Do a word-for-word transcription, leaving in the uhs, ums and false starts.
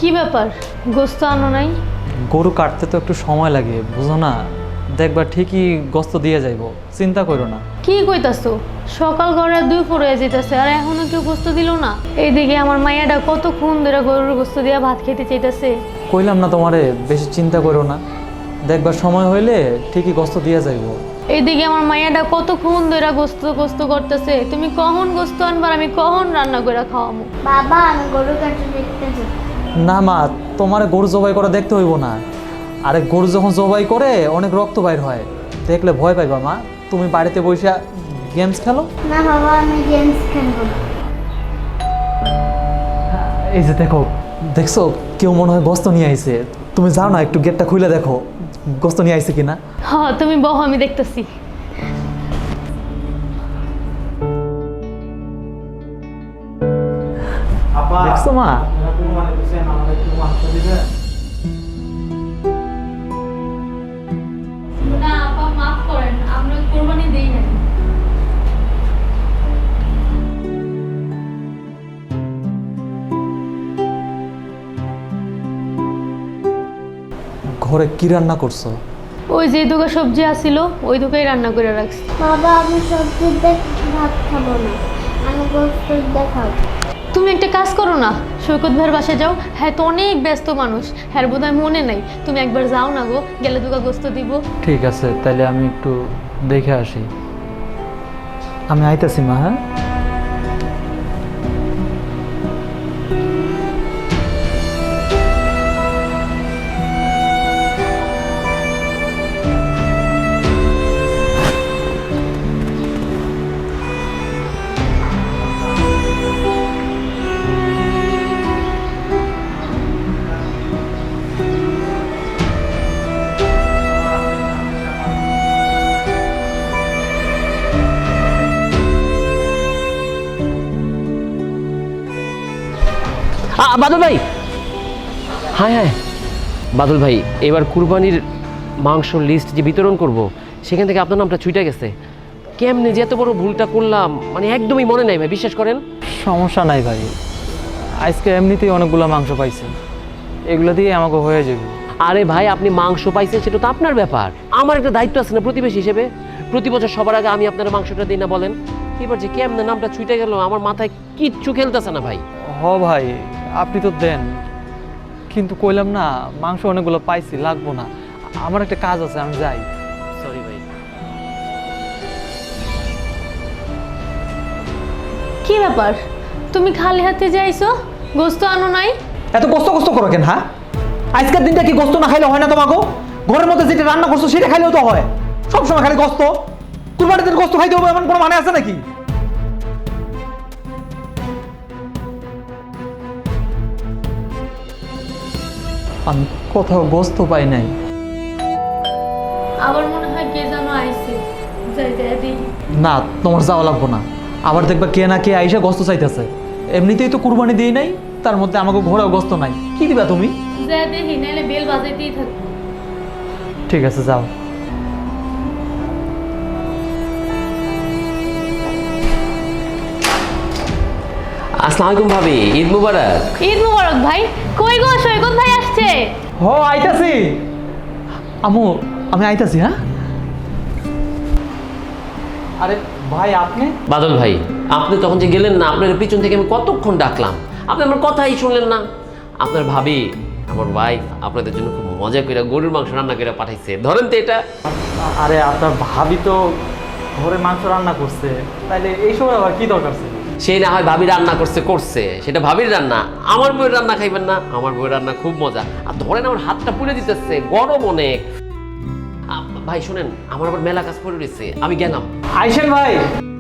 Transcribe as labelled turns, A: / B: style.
A: কি ব্যাপার, গোস্ত আনো নাই?
B: গরু কাটতে তো একটু সময় লাগে, বুঝো না? দেখবা ঠিকই গোস্ত দিয়ে যাইব, চিন্তা করো না।
A: কি কইতাছো? সকাল করে দুই পরে যেতেছে আর এখনো কেউ গোস্ত দিল না। এইদিকে আমার মাইয়াটা কতক্ষণ ধরে গরুর গোস্ত দিয়া ভাত খেতে চাইতেছে।
B: কইলাম না তোমারে বেশি চিন্তা করো না, দেখবা সময় হইলে ঠিকই গোস্ত দিয়ে যাইব।
A: এইদিকে আমার মাইয়াটা কতক্ষণ ধরে গোস্ত গোস্ত করতেছে। তুমি কখন গোস্ত আনবার, আমি কখন রান্না করে খাওয়াবো?
C: বাবা আমি গরু কাটতে দেখতে যাই।
B: না মা, তোমার গরু জবাই করা দেখতে হইব না। আরে গরু যখন জবাই করে অনেক রক্ত বাইর হয়, দেখলে ভয় পাইবা মা। তুমি বাড়িতে বসে গেমস খেলো।
C: না বাবা আমি গেমস খেলবো না।
B: এই যে দেখো, দেখছো কেউ মনে হয় গোস্ত নিয়ে আইছে। তুমি যাও না, একটু গেটটা খুলে দেখো গোস্ত নিয়ে আইছে কিনা।
A: হ্যাঁ তুমি বহ, আমি দেখতেছি।
B: দেখছো মা?
A: না আপা, মাফ করেন, আমরা কোরবানি দেই না।
B: ঘরে কি রান্না করছো?
A: ওই যে দুটো সবজি আসিল, ওই দুটোই রান্না করে রাখছি।
C: বাবা আমি সবজি দিয়ে ভাত খাবো না, আমি গোস্ত দিয়ে খাবো।
A: তুমি একটা কাজ করো না, সৈকত ভাইয়ের বাসায় যাও। হ্যাঁ তো অনেক ব্যস্ত মানুষ, হ্যাঁ বোধ হয় মনে নাই। তুমি একবার যাও না গো, গেলে দুটো গোস্ত দিব।
B: ঠিক আছে, তাহলে আমি একটু দেখে আসি। আমি আইতাছি মা। হ্যাঁ
D: আ বাদল ভাই, হায় হায় বাদল ভাই, এবার কুরবানির মাংসর লিস্ট যে বিতরণ করব সেখান থেকে আপনার নামটা ছুটে গেছে। কেমনে যে এত বড় ভুলটা করলাম, মানে একদমই মনে নাই ভাই, বিশ্বাস করেন।
B: সমস্যা নাই ভাই, আজকে এমনিতেই অনেকগুলো মাংস পাইছি, এগুলো দিয়ে আমাকে হয়ে যাবে।
D: আরে ভাই আপনি মাংস পাইছেন সেটা তো আপনার ব্যাপার, আমার একটা দায়িত্ব আছে না প্রতিবেশী হিসেবে। প্রতি বছর সবার আগে আমি আপনার মাংসটা দিই না বলেন? এবার যে কেমনে নামটা ছুটে গেল, আমার মাথায় কিচ্ছু খেলতেছে না ভাই।
B: হ ভাই, আপনি তো দেন, কিন্তু কইলাম না মাংস অনেকগুলো পাইছি, লাগবো না। আমার একটা কাজ আছে, আমি যাই।
D: সরি ভাই।
A: কি ব্যাপার, তুমি খালি হাতে যাইছো, গোস্ত আনো নাই?
E: এত কষ্ট কষ্ট করো কেন? হ্যাঁ, আজকের দিনটা কি গোস্ত না খাইলে হয় না তোমাকে? ঘরের মধ্যে যেটা রান্না করছো সেটা খাইলেও তো হয়, সবসময় খালি গোস্ত। কুরবানির দিন গোস্ত খাইতে হবে এমন কোনো মানে আছে নাকি?
B: আমি কোথাও গোস্ত পাই নাই।
A: আবার মনে হয় কে যেন আইছে, যাই যাই দিই।
B: না, তোমার যাওয়া লাগবো না। আবার দেখবা কে না কে আইসা গোস্ত চাইতেছে। এমনিতেই তো কুরবানি দিই নাই, তার মধ্যে আমাকে ঘোরাও গোস্ত নাই। কি দিবা তুমি?
A: যাই দেখি, নাইলে বেল বাজাইতেই থাকবো।
B: ঠিক আছে, যাও।
D: আসসালামু আলাইকুম ভাবি, ঈদ মুবারক।
A: ঈদ মুবারক ভাই। কই গো, সৈকত ভাই আসছে।
B: হ, আইতাছি। আমু, আমি আইতাছি। হ্যাঁ, আরে ভাই আপনি?
D: বাদল ভাই, আপনি তখন যে গেলেন না, আপনার পিছন থেকে আমি কতক্ষণ ডাকলাম, আপনি আমার কথাই শুনলেন না। আপনার ভাবি, আমার ওয়াইফ আপনাদের জন্য খুব মজা করে গরুর মাংস রান্না করে পাঠাইছে, ধরেন তো এটা।
B: আরে আপনার ভাবি তো ঘরে মাংস রান্না করছে, তাইলে এই সময় আবার কি দরকার ছিল?
D: সেই না হয় ভাবি রান্না করছে করছে সেটা ভাবির রান্না, আমার বউয়ের রান্না খাইবেন না? আমার বউয়ের রান্না খুব মজা। আর ধরেন আমার হাতটা পুড়ে দিতেছে, গরম অনেক। আ, ভাই শুনেন, আমার আবার মেলা কাজ পড়ে রয়েছে, আমি গেলাম।
B: আইসেন ভাই।